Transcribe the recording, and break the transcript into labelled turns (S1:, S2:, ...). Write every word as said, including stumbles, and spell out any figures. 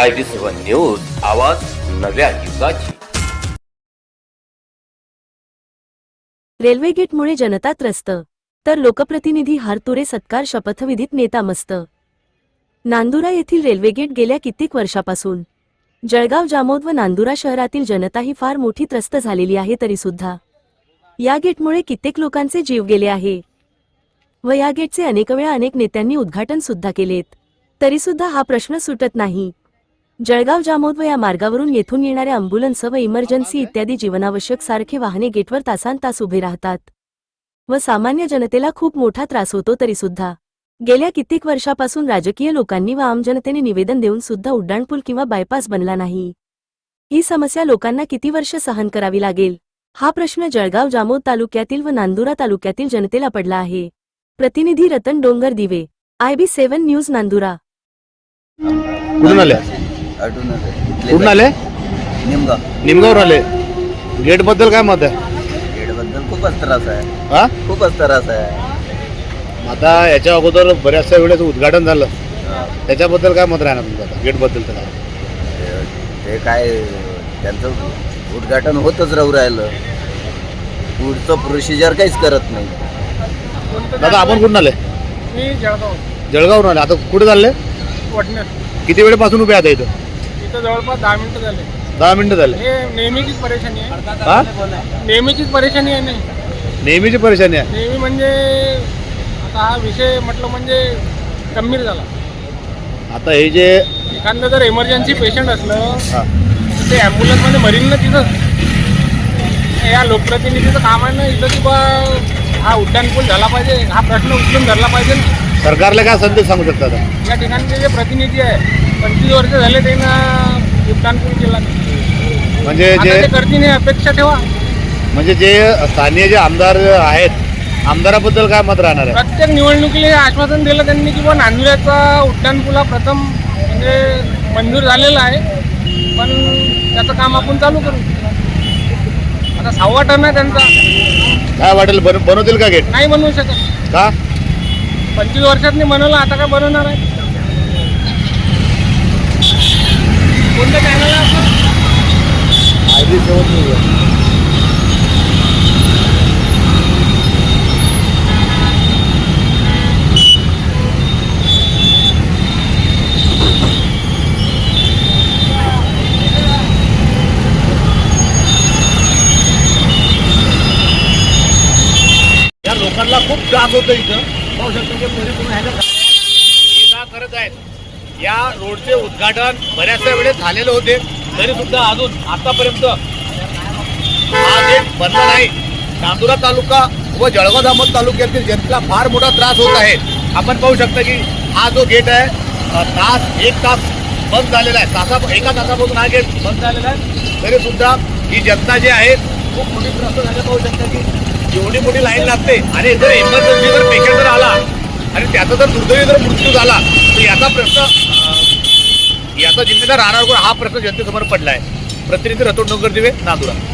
S1: I V seven news, आवाज नव्या युगाची।
S2: Railway गेटमुळे जनता त्रस्त, तर लोकप्रतिनिधी हारतुरे सत्कार शपथविधीत नेता मस्त। नांदुरा येथील रेल्वे गेट गेल्या कित्येक वर्षापासून जळगाव जामोद व नांदुरा शहरातील जनताही फार मोठी त्रस्त झालेली आहे, तरी सुद्धा या गेटमुळे कित्येक लोकांचे जीव गेले आहे व या गेटचे अनेक वेळा अनेक नेत्यांनी उद्घाटन सुद्धा केलेत, तरी सुद्धा हा प्रश्न सुटत नाही। जळगाव जामोद व या मार्गावरून येथून येणाऱ्या अँब्युलन्स व इमर्जन्सी इत्यादी जीवनावश्यक सारखे वाहने गेटवर तासांतास उभे राहतात व सामान्य जनतेला खूप मोठा त्रास होतो, तरी सुद्धा गेल्या कित्येक वर्षापासून राजकीय लोकांनी व आम जनतेने निवेदन देऊन सुद्धा उड्डाणपूल किंवा बायपास बनला नाही। ही समस्या लोकांना किती वर्ष सहन करावी लागेल, हा प्रश्न जळगाव जामोद तालुक्यातील व नांदुरा तालुक्यातील जनतेला पडला आहे। प्रतिनिधी Ratan Dongar Dive, I B seven news, Nandura.
S3: कुठून आले? कुठून आले?
S4: निमगाव
S3: निमगावर आले। गेट बद्दल काय मत आहे?
S4: गेट बद्दल खूपच त्रास आहे,
S3: हा
S4: खूपच त्रास आहे।
S3: आता याच्या अगोदर बऱ्याचशा वेळेस उद्घाटन झालं, त्याच्याबद्दल काय मत राहणार तुमचं? आता गेट बद्दल तर काय
S4: ते काय त्यांचं उद्घाटन होतच राहू राहिलं, पुढचं प्रोसिजर काहीच करत नाही।
S3: दादा आपण कुठून आले?
S5: मी जळगाव
S3: जळगावरून आले। आता कुठे चालले?
S5: वडनेर।
S3: किती वेळेपासून उभे आता इथं?
S5: इथं जवळपास दहा मिनिटं झाले।
S3: दहा मिनिटं झाले।
S5: हे नेहमीचीच परेशानी आहे,
S3: हा
S5: नेहमीचीच परेशानी आहे। नाही
S3: नेहमीची परेशानी आहे।
S5: नेहमी म्हणजे आता हा विषय म्हटलं म्हणजे गंभीर झाला।
S3: आता हे जे
S5: एखादं जर इमर्जन्सी पेशंट असलं
S3: हा
S5: तर ते ॲम्ब्युलन्समध्ये मरीन ना तिथं। या लोकप्रतिनिधीचं काम आहे ना इथं की बा हा उड्डाणपूल झाला पाहिजे, हा प्रश्न उचलून धरला पाहिजे ना।
S3: सरकारला काय संदेश सांगू शकता आता?
S5: या ठिकाणचे जे प्रतिनिधी आहे पंचवीस वर्ष झाले त्यांना उड्डाणपूल केला,
S3: म्हणजे
S5: आता
S3: जे
S5: ते करतील नाही, अपेक्षा ठेवा।
S3: म्हणजे जे स्थानीय जे आमदार आहेत, आमदाराबद्दल काय मत राहणार आहे?
S5: प्रत्येक निवडणुकीला आश्वासन दिलं त्यांनी की बा नांदुऱ्याचा उड्डाणपुला प्रथम म्हणजे मंजूर झालेला आहे, पण त्याचं काम आपण चालू करू। आता सहावा टर्न आहे त्यांचा,
S3: काय वाटेल बन बनवतील का गेट?
S5: नाही बनवू शकत।
S3: का?
S5: पंचवीस वर्षात नाही बनवलं, आता काय बनवणार आहे? कोणत्या चॅनल आहे आपलं?
S3: I B seven news. या लोकांना खूप त्रास होतो इथं। पाहू शकतो की पोलीस तुम्ही ह्याच्या हे का करत आहेत? या रोडचे उद्घाटन बऱ्याचशा वेळेस झालेले होते, तरी सुद्धा अजून आतापर्यंत हा गेट बनला नाही। नांदुरा तालुका व जळगाव जामोद तालुक्यातील जनतेला फार मोठा त्रास होत आहे। आपण पाहू शकता की हा जो गेट आहे अ, तास एक तास बंद झालेला आहे, तासा एका तासापासून हा गेट बंद झालेला आहे, तरी सुद्धा ही जनता जी आहे खूप मोठी त्रास झाले। पाहू शकता की एवढी मोठी लाईन लागते आणि जर इमर्जन्सी जर पेशंट जर आला आणि त्याचा जर दुर्दैवी जर मृत्यू झाला तर याचा प्रश्न याचा जिम्मेदार राहणार कोण, हा प्रश्न जनतेसमोर पडला आहे। प्रतिनिधी रतन डोंगर दिवे, नांदुरा।